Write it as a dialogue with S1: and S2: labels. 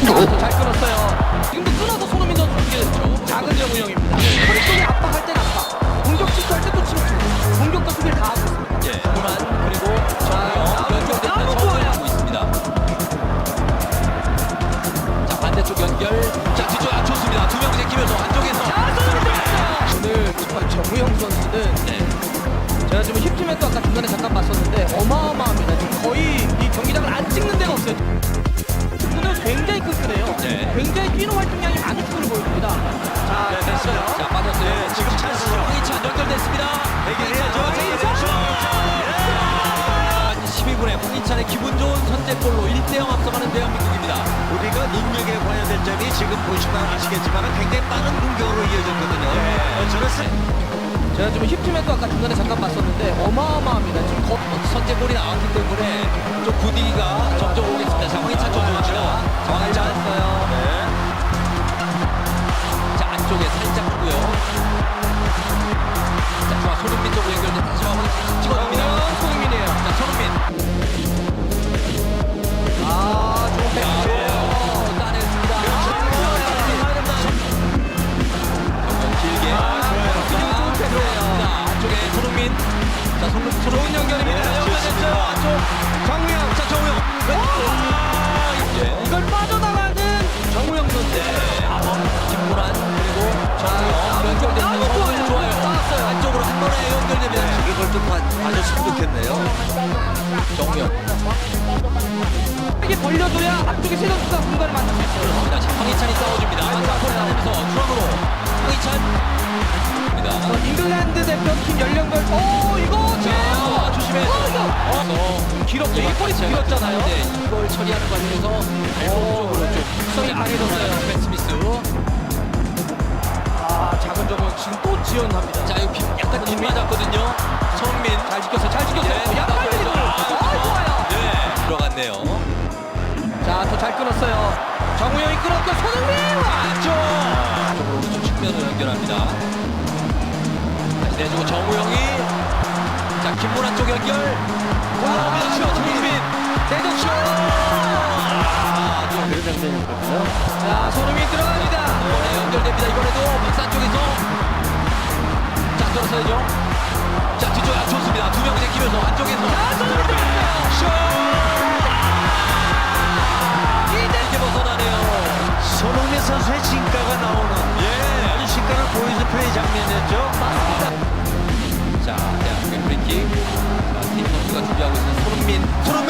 S1: 잘 끊었어요. 지금도 끊어서 손흥민 선수 이게 됐죠. 작은 정우영입니다. 허리 쪽에 압박할 땐 압박, 공격 침투할 때또 침투, 공격과 수비를 다 하고 있습니다.
S2: 예. 그만 그리고 정우영 연결되면서 전진하고 있습니다. 자 반대쪽 연결. 자 뒤쪽 좋습니다. 두 명 제끼면서 안쪽에서.
S1: 오늘 정말 정우영 선수는 제가 지금 힙팀에도 아까 중간에 잠깐 봤었는데 어마어마합니다. 지금 거의 이 경기장을 안 찍는 데가 없어요. 오늘 굉장히 끈끈해요.
S2: 네.
S1: 굉장히 뛰는 활동량이 많은 축구를 보여줍니다. 자, 됐어요.
S2: 자 빠졌어요. 지금 찬스죠. 황희찬 연결됐습니다.
S3: 해결해야죠.
S2: 12분에 황희찬의 기분 좋은 선제골로 1대0 앞서가는 대한민국입니다.
S3: 우리가 능력에 관여된 점이 지금 보시면 아시겠지만 굉장히 빠른 공격으로 이어졌거든요. 저는
S1: 제가 지금 힙팀에도 아까 중간에 잠깐 봤었는데 어마어마합니다. 지금
S2: 선제골이 나왔기 때문에 좀 분위기가 점점 오겠습니다. 자 황희찬 조정합니다. 자 황희찬
S1: 했어요.
S2: 자 안쪽에 살짝 하고요. 자 좋아 손흥민 쪽으로 연결돼 다시 한번 찍어줍니다.
S1: 손흥민이에요.
S2: 자 손흥민.
S1: 좋은 패스.
S2: 따냈습니다. 길게.
S1: 좋은 패스예요.
S2: 자 안쪽에 손흥민. 자 손흥민 연결입니다. 연결됐어요. 안쪽
S1: 정우영.
S2: 자 정우영. 예.
S1: 이걸 빠져나가는 정우영 선수.
S2: 김문환 그리고 정우영 연결되는 거
S1: 좋아요.
S2: 좋아요.
S1: 나왔어요.
S2: 안쪽으로 한 번에 연결됩니다.
S3: 이걸 좀 봐줬으면 좋겠네요.
S2: 정우영.
S1: 이게 벌려줘야 앞쪽에 세 선수가 공간을 만들 수 있어요.
S2: 자 황희찬이 싸워줍니다. 자 골 따내면서 중앙으로 황희찬.
S1: 잉글랜드 대표팀 연령별 이거
S2: 자 조심해.
S1: 이거 길었죠. 이게 골이 길었잖아요.
S2: 이걸 처리하는 과정에서 발목 쪽으로 좀
S1: 속성이 강해졌어요.
S2: 벤 스미스.
S1: 작은 정우영 지금 또 지원합니다.
S2: 자 여기 약간 빗 맞았거든요. 손흥민
S1: 잘 지켰어요. 잘 지켰어요. 약간 밀리고. 좋아요.
S2: 네 들어갔네요.
S1: 자, 또 잘 끊었어요. 정우영이 끊었고 손흥민
S2: 안쪽 오른쪽 측면으로 연결합니다. 다시 내주고 정우영이 자 김문환 쪽 연결. 올라옵니다. 손흥민
S1: 내줬죠.
S3: 그런 장면이거든요.
S1: 자, 손흥민 들어갑니다.
S2: 이번에 연결됩니다. 이번에도 박산 쪽에서 자 들어서야죠. 자 뒤쪽에 좋습니다. 두 명 제끼면서 안쪽에서
S1: 손흥민 들어갔어요.
S2: 이제 벗어나네요.
S3: 손흥민 선수의 진가가 나오는 아주 진가를 보여준 플레이 장면이었죠.
S1: 맞습니다.
S2: 자 대한민국 프리킥. 자 팀 선수가 준비하고 있는 손흥민.